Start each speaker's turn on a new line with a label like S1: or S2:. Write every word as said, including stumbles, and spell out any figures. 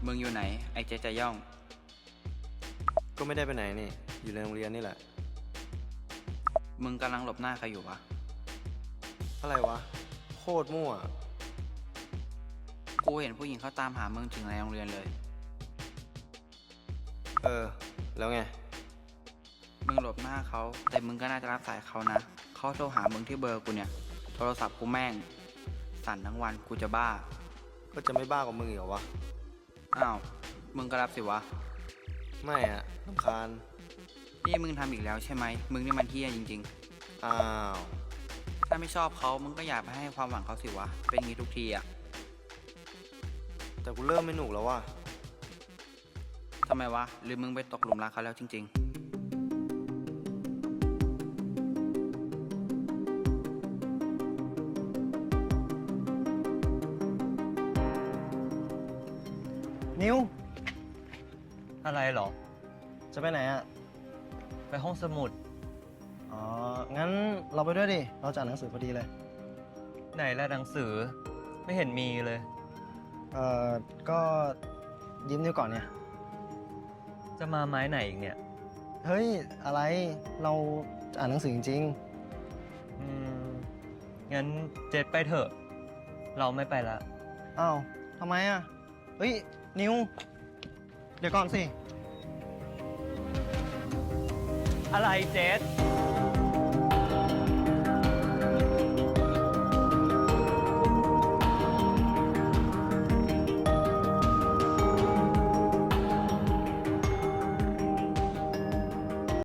S1: มึงอยู่ไหนไอ้เจ๊จะย่อง
S2: ก็ไม่ได้ไปไหนนี่อยู่ในโรงเรียนนี่แหละ
S1: มึงกำลังหลบหน้าใครอยู่วะ
S2: อะไรวะโคตรมั่ว
S1: กูเห็นผู้หญิงเขาตามหามึงถึงในโรงเรียนเลย
S2: เออแล้วไง
S1: มึงหลบหน้าเขาแต่มึงก็น่าจะรับสายเขานะเขาโทรหามึงที่เบอร์กูเนี่ยโทรศัพท์กูแม่งสั่นทั้งวันกูจะบ้า
S2: ก็จะไม่บ้ากว่ามึงอีกเหรอวะ
S1: อ้าวมึงก็รับสิวะ
S2: ไม่อะรำคาญ
S1: นี่มึงทำอีกแล้วใช่ไหมมึงนี่มันเฮี้ยจริง
S2: ๆอ้าว
S1: ถ้าไม่ชอบเขามึงก็อย่าไปให้ความหวังเขาสิวะเป็นงี้ทุกทีอะ
S2: แต่กูเริ่มไม่หนุกแล้วว่ะ
S1: ทำไมวะหรือมึงไปตกหลุมรักเขาแล้วจริงๆ
S3: นิว
S4: อะไรหรอ
S3: จะไปไหนอ่ะ
S4: ไปห้องสมุด
S3: อ๋องั้นเราไปด้วยดิเราจะอ่านหนังสือพอดีเลย
S4: ไหนละหนังสือไม่เห็นมีเลย
S3: เอ่อก็ยืมนิวก่อนเนี่ย
S4: จะมาไม้ไหนอีกเนี่ย
S3: เฮ้ยอะไรเราจะอ่านหนังสือจริง
S4: อืมงั้นเจ็ดไปเถอะเราไม่ไปละ
S3: ๆอ้าวทำไมอ่ะเฮ้ยนิวเดี๋ยวก่อนสิ
S4: อะไรเจ็ด